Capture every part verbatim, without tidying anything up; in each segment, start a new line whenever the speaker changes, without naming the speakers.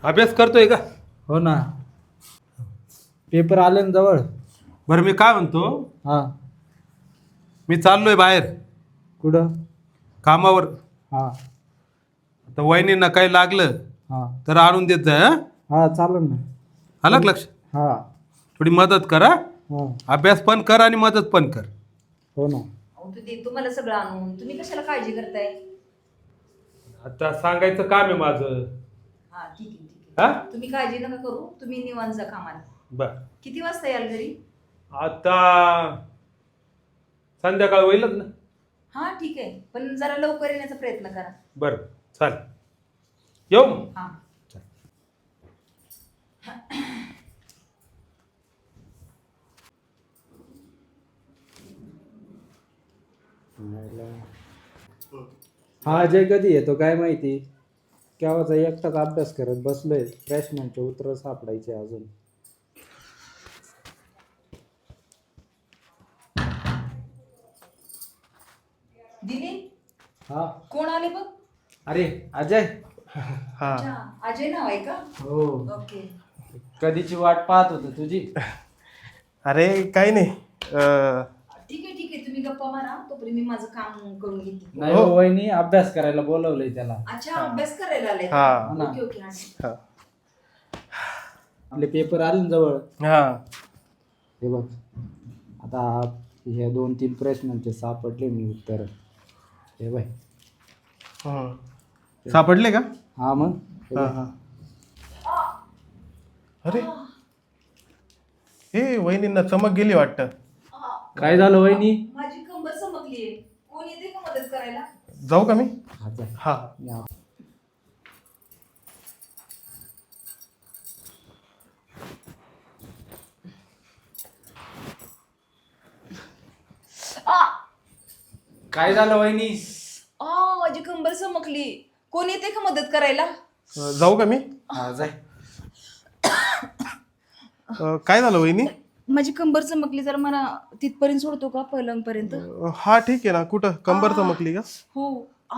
अभ्यास करतोय का?
हो ना. पेपर आले ना जवळ.
बरं मी काय म्हणतो,
हा.
मी चाललोय बाहेर
कुठं?
कामावर.
हा
आता वहिनींना काही लागलं
हा
तर आणून देत जा. हं?
हा चालेल ना.
आलं का लक्ष?
हा
थोडी मदत कर हं?
हा.
अभ्यास पण कर आणि मदत पण कर.
हो ना.
अहो तू दे तुम्हाला सगळं आणून, तुम्ही कशाला काळजी करताय?
आता सांगायचं काम आहे माझं.
हा ठीक आहे ठीक
हा?
आहे, तुम्ही काळजी नका करू, तुम्ही निवांत जा कामाला.
बर.
किती वाजता याल घरी?
आता संध्याकाळ होईलच ना.
हा ठीक आहे, पण जरा लवकर येण्याचा प्रयत्न करा.
बर चालेल. येऊ मग.
हा.
हा अजय कधी येतो काय माहिती. केव्हाचा एकटाच अभ्यास करत बसलोय. प्रश्नांचे उत्तर सापडायचे अजून.
दिलीप,
हा.
कोण आले बघ?
अरे अजय.
हा.
अच्छा, अजय नाव आहे का?
हो.
ओके.
कधीची वाट पाहत होतो तुझी.
अरे काही नाही. अं,
ठीक आहे ठीक आहे, तुम्ही गप्पा मारा, तोपर्यंत मी माझं काम करून घेते.
नाही हो वहिनी, अभ्यास करायला बोलवलंय त्याला.
अच्छा, अभ्यास करायला आले?
हा.
Okay okay. हा.
हा.
आपले पेपर आले ना जवळ.
हा.
हे बघ, आता हे दोन तीन प्रश्नांचे सापडले मी उत्तर. हे बाय.
हं. सापडले का?
हा मग. हे
हा
बघ.
हा. अरे हे वहिनींना चमक गेली वाटतं.
काय झालं वहिनी?
माझी कंबर चमकलीये, कोण येते का मदत करायला?
जाऊ का मी?
हा जा.
हा.
या.
आ
काय झालं वहिनी?
आ माझी कंबर चमकली, कोण येते का मदत करायला?
अं, जाऊ का मी?
हा जाय.
अं, काय झालं वहिनी?
माझी कंबर चमकली, जरा मला तिथपर्यंत सोडतो का पलंग पर्यंत?
अं, हा ठीक आहे ना. कुठं कंबर चमकली का?
हो. आ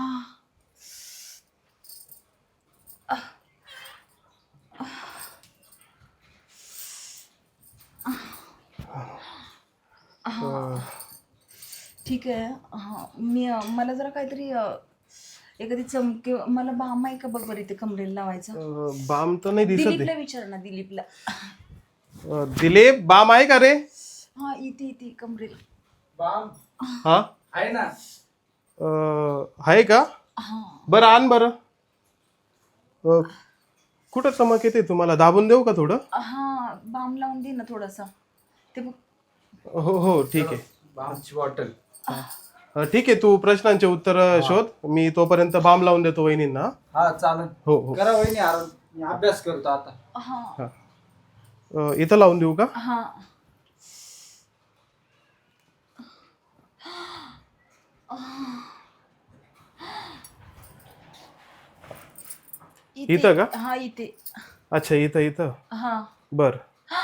अं,
ठीक आहे. हा मी मला जरा काहीतरी अ, एखादी चमके, मला बाम आहे का बघ बरं इथे कमरेला लावायचा.
अं, बाम तर नाही दिसत आहे.
दिलीपला विचार ना, दिलीपला.
अं, दिलीप बाम आहे का रे?
हा इथे इथे कमरेला.
बाम
हा.
आहे ना.
अं, आहे का?
हा
बरं आण बरं. अं, कुठं चमक येते तुम्हाला? दाबून देऊ का थोडं?
हा बाम लावून दे ना थोडासा. ते बघ.
हो हो ठीक आहे.
बामची बॉटल.
अं, ठीक आहे, तू प्रश्नांचे उत्तर शोध, मी तोपर्यंत बाम लावून देतो वहिनींना.
हा चालेल.
हो हो.
करा वहिनी आराम, मी अभ्यास करतो आता.
हा
अं, इथं लावून देऊ का?
हा इथे.
इथं का?
हा इथे.
अच्छा इथं इथं.
हा
बर.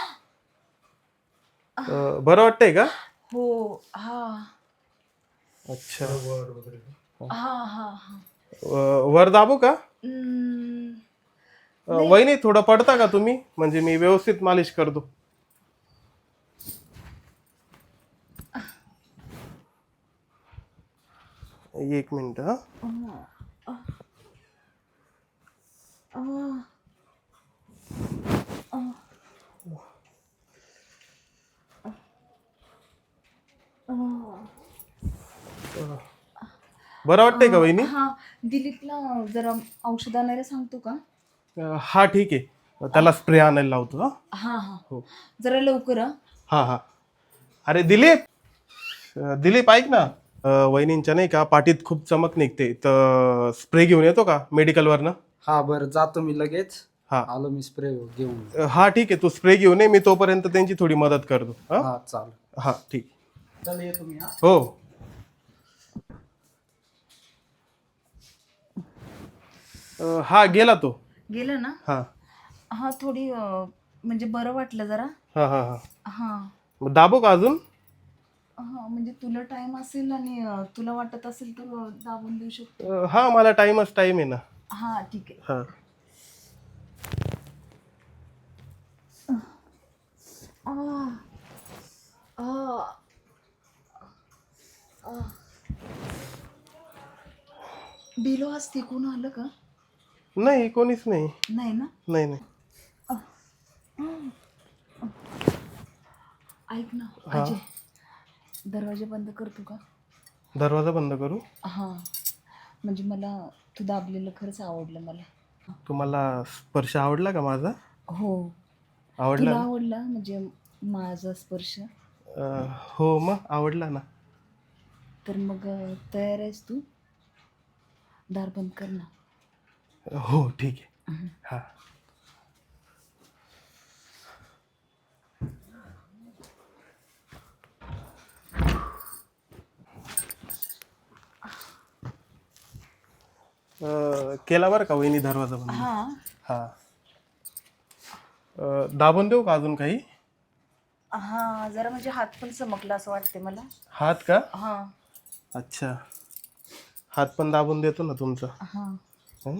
अं, बरं वाटतंय का?
हो. हा
अच्छा.
हा हा हा
अं, वर दाबू का?
हम्म,
अं, वहिनी थोडं पडता का तुम्ही? म्हणजे मी व्यवस्थित मालिश करतो. एक मिनिट हा.
आ,
बरं वाटतंय का वहिनी?
हा दिलीपला जरा औषध आणायला सांगतो का?
अं, हा ठीक आहे, त्याला स्प्रे आणायला लावतो. हा
हा हा
हो.
जरा लवकर हा.
हा हा. अरे दिलीप, अं, दिलीप ऐक ना. अं, वहिनींच्या नाही का पाठीत खूप चमक निघते, तर स्प्रे घेऊन येतो का मेडिकलवरनं?
हा बरं जातो मी लगेच.
हा.
आलो मी स्प्रे घेऊन.
अं, हा ठीक आहे, तू स्प्रे घेऊन ये, मी तोपर्यंत त्यांची थोडी मदत करतो. हा
हा चालेल.
हा ठीक आहे.
चल येतो मी. हा
हो. अं, हा गेला तो.
गेला ना.
हा
हा थोडी अ, म्हणजे बरं वाटलं जरा.
हा हा हा.
हा
मग दाबू का अजून?
हा म्हणजे तुला टाइम असेल आणि अ, तुला वाटत असेल तर अ, दाबून देऊ शकतो.
अं, हा मला टाइमच टाइम आहे ना.
हा ठीक आहे.
हा.
आ, आ, आ. बिलो आज तिकून आलं का?
नाही कोणीच नाही.
नाही ना.
नाही नाही.
ऐक ना
हा.
अजय, दरवाजा बंद करतो का?
दरवाजा बंद करू?
हा, म्हणजे मला तू दाबलेलं खरंच आवडलं मला.
तुम्हाला स्पर्श आवडला का माझा?
हो.
आवडला
तुला
ना?
आवडला म्हणजे माझा स्पर्श?
अं, हो मग आवडला ना.
तर मग अं, तयार आहेस तू? दार बंद कर ना.
हो ठीक आहे. हा. अं, केला बरं का वहिनी दरवाजा बंद.
हा.
हा. अं, दाबून देऊ का अजून काही?
हा, जरा म्हणजे हात पण चमकला असं वाटते मला.
हात का?
हा.
अच्छा. हात पण दाबून देतो ना तुमचा.
हा.
हं?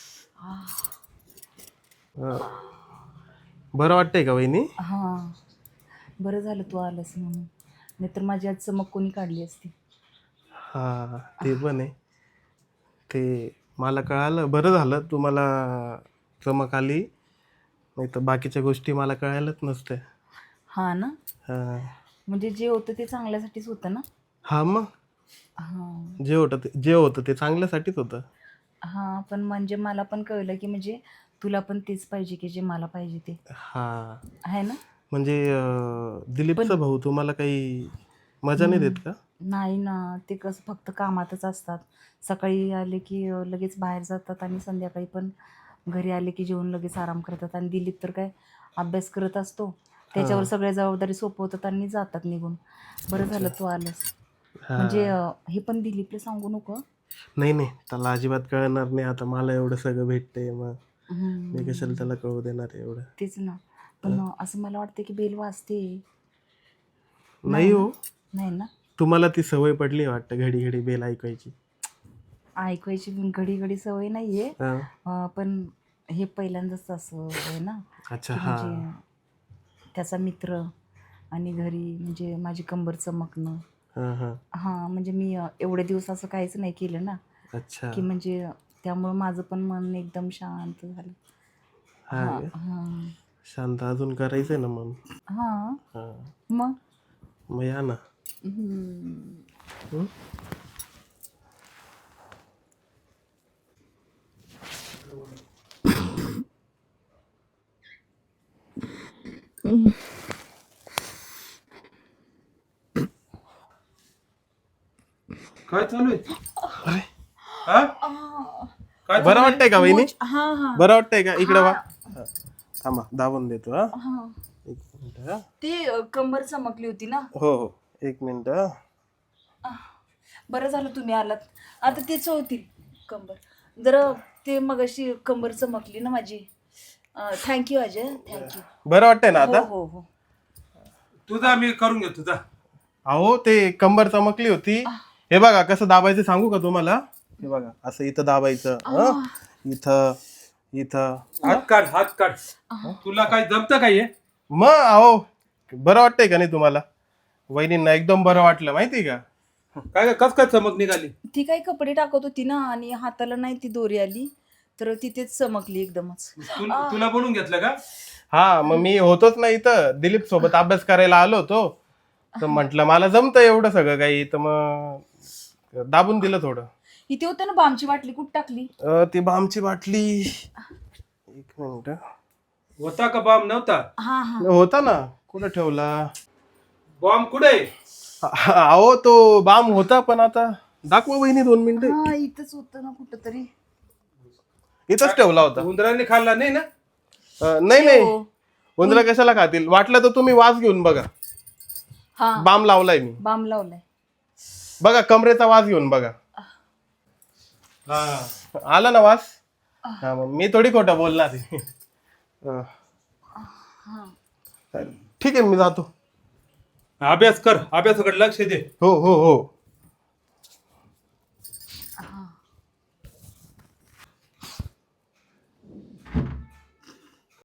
अं, बरं वाटतंय का वहिनी?
हा, बरं झालं तू आलंस म्हणून, नाहीतर माझी आज चमक कोणी काढली असती.
हा ते पण आहे. ते मला कळालं, बरं झालं तुम्हाला चमक आली, नाही तर बाकीच्या गोष्टी मला कळायलाच नसत्या.
हा ना.
हा.
म्हणजे जे होतं ते चांगल्यासाठीच होतं ना.
हा मग
हा.
जे होतं ते जे होतं ते चांगल्यासाठीच होतं.
हा, पण म्हणजे मला पण कळलं की म्हणजे तुला पण तेच पाहिजे की जे मला पाहिजे ते
हा
आहे ना.
म्हणजे अं, दिलीपचा भाऊ तुम्हाला काही मजा नाही देत का?
नाही ना, ते कसं फक्त कामातच असतात. सकाळी आले की अ, लगेच बाहेर जातात आणि संध्याकाळी पण घरी आले की जेवून लगेच आराम करतात. आणि दिलीप तर काय अभ्यास करत असतो, त्याच्यावर सगळ्या जबाबदारी सोपवतात आणि जातात निघून. बरं झालं तू आलंस.
हा.
म्हणजे अ, हे पण दिलीपला सांगू नको.
नाही नाही, त्याला अजिबात कळणार नाही. आता मला एवढं सगळं भेटतंय, मग
हम्म,
मी कशाला त्याला कळू देणार आहे एवढं.
तेच ना. पण अ, असं मला वाटतं की बेल वाजते.
नाही हो,
नाही ना.
तुम्हाला ती सवय पडली वाटतं घडी घडी बेल ऐकायची.
ऐकायची पण घडी घडी सवय नाहीये.
हा.
अ, पण हे पहिल्यांदाच असं आहे ना
अच्छा.
की
हा
म्हणजे त्याचा मित्र आणि घरी म्हणजे माझी कंबर चमकणं.
हा हा.
हां, म्हणजे मी अ, एवढे दिवस असं काहीच नाही केलं ना,
अच्छा.
की म्हणजे त्यामुळं माझं पण मन एकदम शांत झालं.
हा
हां
का?
हां
शांत अजून करायचंय ना मग.
हां.
हा
मग
मग या ना.
हम्म.
हं?
काय चालू आहे?
अरे
हा? काय
बरं वाटतंय का वहिनी?
हां हां
बरं वाटतंय का? इकडे वा. हा. थांबा दाबून देतो. हा
हां.
एक मिनिट. हा.
ते अ, कंबर चमकली होती ना.
हो हो एक मिनिट. हा.
बरं झालं तुम्ही आलात. आता तेच होती कंबर. जरा ते मगाशी कंबर चमकली ना माझी. Thank you Ajay, thank you.
बरं वाटतंय ना
हो
आता?
हो हो.
तुझा मी करून घेतो तुझा.
अहो ते कंबर चमकली होती. हे बघा कसं दाबायचं सांगू का तुम्हाला? हे बघा असं इथं दाबायचं. हं? इथं इथं.
हात काढ, हात काढ. तुला काय जमतं काय हे?
मग अहो बरं वाटतंय का नाही तुम्हाला? वहिनींना एकदम बरं वाटलं माहिती का?
काय कस काय चमक निघाली?
ती काही कपडे टाकत होती ना आणि हाताला नाही ती दोरी आली तर तिथेच चमकली एकदमच.
तुला तुला बनवून घेतलं का?
हा मग मी होतोच ना इथं, दिलीप सोबत अभ्यास करायला आलो होतो, तर म्हटलं मला जमतं एवढं सगळं काही, तर मग दाबून दिलं थोडं.
इथे होतं ना बामची बाटली, कुठं टाकली?
अं, ती बामची बाटली एक मिनिट.
होता का बॉम्ब? नव्हता.
हा हा.
होता ना, कुठं ठेवला?
बॉम्ब कुठे?
अहो तो बाम होता, पण आता दाखवा वहिनी दोन मिनिटं.
हा इथंच होतं ना कुठं तरी.
इथंच ठेवला होता.
उंदराने खाल्ला नाही ना?
अं, नाही नाही,
हो.
उंदरा कशाला खातील? वाटलं तर तुम्ही वास घेऊन बघा.
हा
बाम लावलाय मी,
बाम लावलाय.
बघा कमरेचा वास घेऊन बघा.
हा.
आला ना वास? हा मग मी थोडी खोटं बोलणार आहे. अं, ठीक आहे मी जातो.
अभ्यास कर, अभ्यासाकडे लक्ष दे.
हो हो हो.